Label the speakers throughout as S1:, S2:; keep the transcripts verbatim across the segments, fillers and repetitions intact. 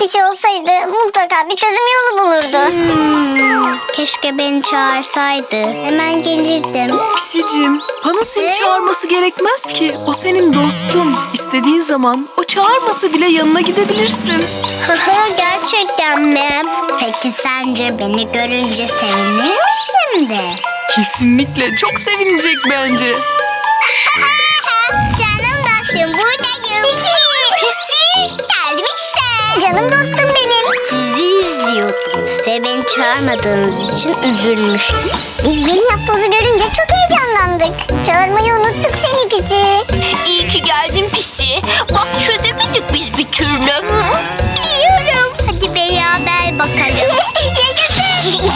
S1: pisi olsaydı mutlaka bir çözüm yolu bulurdu.
S2: Hmm, keşke beni çağırsaydı. Hemen gelirdim.
S3: Pisicim, Pan'ın seni çağırması gerekmez ki. O senin dostun. İstediğin zaman o çağırmasa bile yanına gidebilirsin.
S2: Gerçekten mi? Peki sence beni görünce sevinir mi şimdi?
S3: Kesinlikle çok sevinecek bence.
S2: Canım dostum buradayım. Pisi. Geldim işte.
S1: Canım dostum benim.
S2: Sizi izliyordum ve beni çağırmadığınız için üzülmüştüm.
S1: Biz yeni yapbozu görünce çok heyecanlandık. Çağırmayı unuttuk seni pisi.
S4: İyi ki geldin Pisi. Bak çözemedik biz bir türlü.
S2: Biliyorum. Hadi beraber bakalım.
S1: Yaşasın.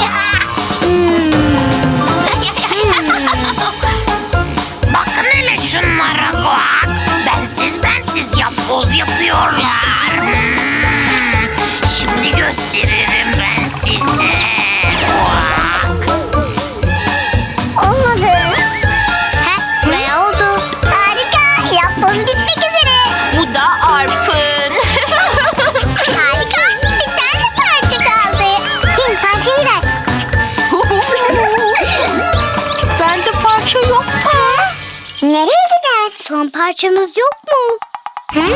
S4: Bakın hele şunlara bak. Bensiz bensiz yapboz yapıyorlar. Hmm. Şimdi gösteririm ben size. Bak.
S1: Olmadı.
S2: Heh, ne oldu?
S1: Harika. Yapboz bitmek üzere.
S4: Bu da Arp'ın.
S1: Harika. Bir tane parça kaldı. Gel parçayı ver.
S4: Bende parça yok.
S1: Nereye gider?
S2: Son parçamız yok mu?
S1: Hı?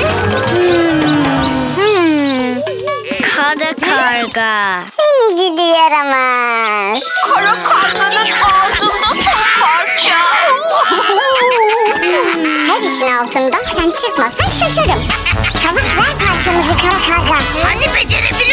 S2: Hmm. Kara karga.
S1: Seni gidi yaramaz.
S4: Kara karganın ağzında son parça.
S1: Her işin altından sen çıkmasan şaşarım. Çabuk ver parçamızı kara karga.
S4: Hani becerebilirsin.